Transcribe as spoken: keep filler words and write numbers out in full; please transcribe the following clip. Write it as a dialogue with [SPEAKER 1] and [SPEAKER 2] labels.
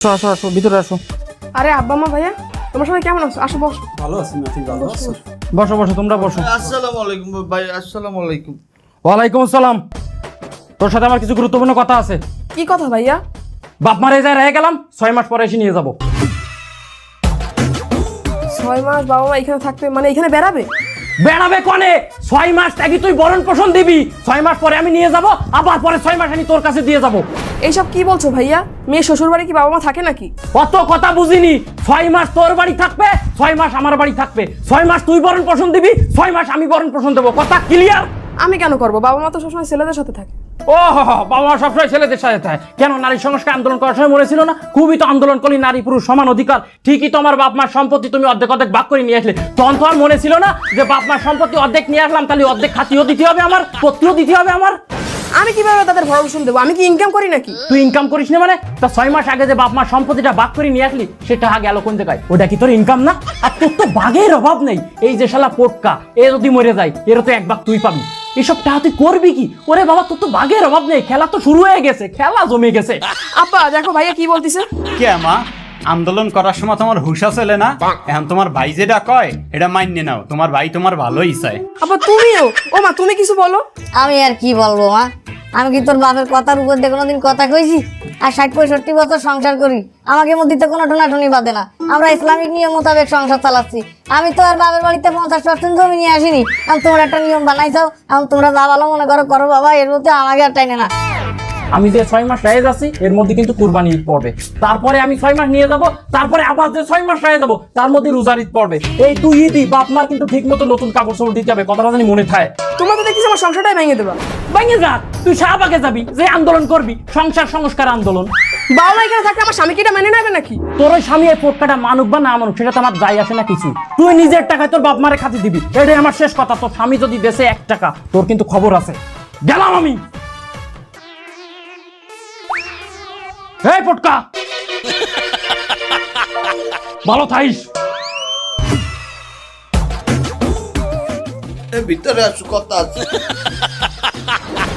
[SPEAKER 1] আসো আসো ভিতরে আসো।
[SPEAKER 2] আরে আব্বা মা ভাইয়া তোমার সবাই কেমন আছো? আসো বসো।
[SPEAKER 1] ভালো আছি না? ঠিক ভালো আছো? বসো বসো তোমরা বসো।
[SPEAKER 3] আসসালামু আলাইকুম ভাই। আসসালামু আলাইকুম।
[SPEAKER 1] ওয়ালাইকুম আসসালাম। তোর সাথে আমার কিছু গুরুত্বপূর্ণ কথা আছে।
[SPEAKER 2] কি কথা ভাইয়া?
[SPEAKER 1] বাপ মারে যায় রয়ে গেলাম, ছয় মাস পরে এসে নিয়ে যাবো।
[SPEAKER 2] ছয় মাস বাবা মা এখানে থাকবে মানে এখানে বেড়াবে?
[SPEAKER 1] বেড়াবে কনে? ছয় মাস আগে তুই বরণ পোষণ দিবি, ছয় মাস পরে আমি নিয়ে যাব, আবার পরে ছয় মাস আমি তোর কাছে দিয়ে যাব।
[SPEAKER 2] এইসব কি বলছো ভাইয়া? মেয়ে শ্বশুর বাড়ি কি বাবা মা থাকে নাকি?
[SPEAKER 1] অত কথা বুঝিনি। ছয় মাস তোর বাড়ি থাকবে, ছয় মাস আমার বাড়ি থাকবে। ছয় মাস তুই বরণ পোষণ দিবি, ছয় মাস আমি বরণ পোষণ দেবো। কথা ক্লিয়ার?
[SPEAKER 2] আমি কেন করবো? বাবা মা তো সবসময় ছেলেদের সাথে থাকে।
[SPEAKER 1] ও হো হো, বাবা মা সবসময় ছেলেদের সাথে থাকে। কেন নারী সংস্কার আন্দোলন করার সময় মনে ছিল না? খুবই তো আন্দোলন করলি, নারী পুরুষ সমান অধিকার। ঠিকই তো আমার বাপ মার সম্পত্তি তুমি অর্ধেক অর্ধেক ভাগ করে নিয়ে আসলে। তখন তো আর মনে ছিল না যে বাপ মার সম্পত্তি অর্ধেক নিয়ে আসলাম, তাহলে অর্ধেক খাতিও দিতে হবে আমার, পত্রিও দিতে হবে আমার।
[SPEAKER 2] আমি কিভাবে তাদের ভরণ পোষণ দেবো? আমি কি ইনকাম করি নাকি?
[SPEAKER 1] তুই ইনকাম করিস না মানে? তা ছয় মাস আগে যে বাপ মার সম্পত্তিটা ভাগ করে নিয়ে আসলি, সেটা গেল কোন জায়গায়? ওটা কি তোর ইনকাম না? আর তোর তো বাঘের অভাব নেই। এই যে শালা পোটকা, এ যদি মরে যায় এর তো এক ভাগ তুই পাবি। এসব টাকা তুই করবি কি? ওরে বাবা, তোর তো বাঘের অভাব নেই। খেলা তো শুরু হয়ে গেছে, খেলা জমে গেছে।
[SPEAKER 2] আব্বা দেখো ভাইয়া কি বলতিছে।
[SPEAKER 4] কে মা, আন্দোলন করার সময় তোমার হুশ ছেলে না? এখন তোমার ভাই যেটা কয় এটা মাইনে নাও। তোমার ভাই তোমার ভালোই চায়।
[SPEAKER 2] আব্বা তুমিও? ও মা তুমি কিছু বলো।
[SPEAKER 5] আমি আর কি বলবো মা, আমি কি তোর বাপের কথার উপর দিয়ে কোনোদিন কথা কইছি? আর ষাট পঁয়ষট্টি বছর সংসার করি, আমাকে মধ্যে তো কোনো টোনাটুনি বাদে না। আমরা ইসলামিক নিয়ম মোতাবেক সংসার চালাচ্ছি। আমি তো আর বাবার বাড়িতে পঞ্চাশ পার্সেন্ট জমি নিয়ে আসিনি। এখন তোমরা একটা নিয়ম বানাইছাও, এখন তোমরা যা ভালো মনে করো করো বাবা, এর মধ্যে আমাকে আর টাইনে না।
[SPEAKER 1] আমি যে ছয় মাস রায় যাচ্ছি এর মধ্যে কিন্তু কুরবানি ঈদ পড়বে, তারপরে আমি ছয় মাস নিয়ে যাব, তারপরে আবার যে ছয় মাস রায় যাবো তার মধ্যে রোজার ঈদ পড়বে। এই তুই ঈদই বাপ মার কিন্তু ঠিক মতো নতুন কাপড় চোপড় দিতে হবে, কথাটা জানি মনে থাকে।
[SPEAKER 2] তোমরা তো দেখতেছি আমার সংসারটাই ভেঙে দেবা।
[SPEAKER 1] ভেঙে যা, তুই শাহবাগে যাবি, যে আন্দোলন করবি সংসার সংস্কার আন্দোলন।
[SPEAKER 2] বাবা মা এখানে থাকলে আমার স্বামীকে এটা মেনে নেবে নাকি?
[SPEAKER 1] তোর ওই স্বামী এই পোটকাটা মানুক বা না মানুক সেটা তো আমার যাই আসে না কিছু। তুই নিজের টাকায় তোর বাপ মারে খাতি দিবি, এটাই আমার শেষ কথা। তোর স্বামী যদি দেশে এক টাকা, তোর কিন্তু খবর আছে। গেলাম আমি। এই পোটকা, ভালো থাইস।
[SPEAKER 3] ভিতরে আসো, কথা আছে।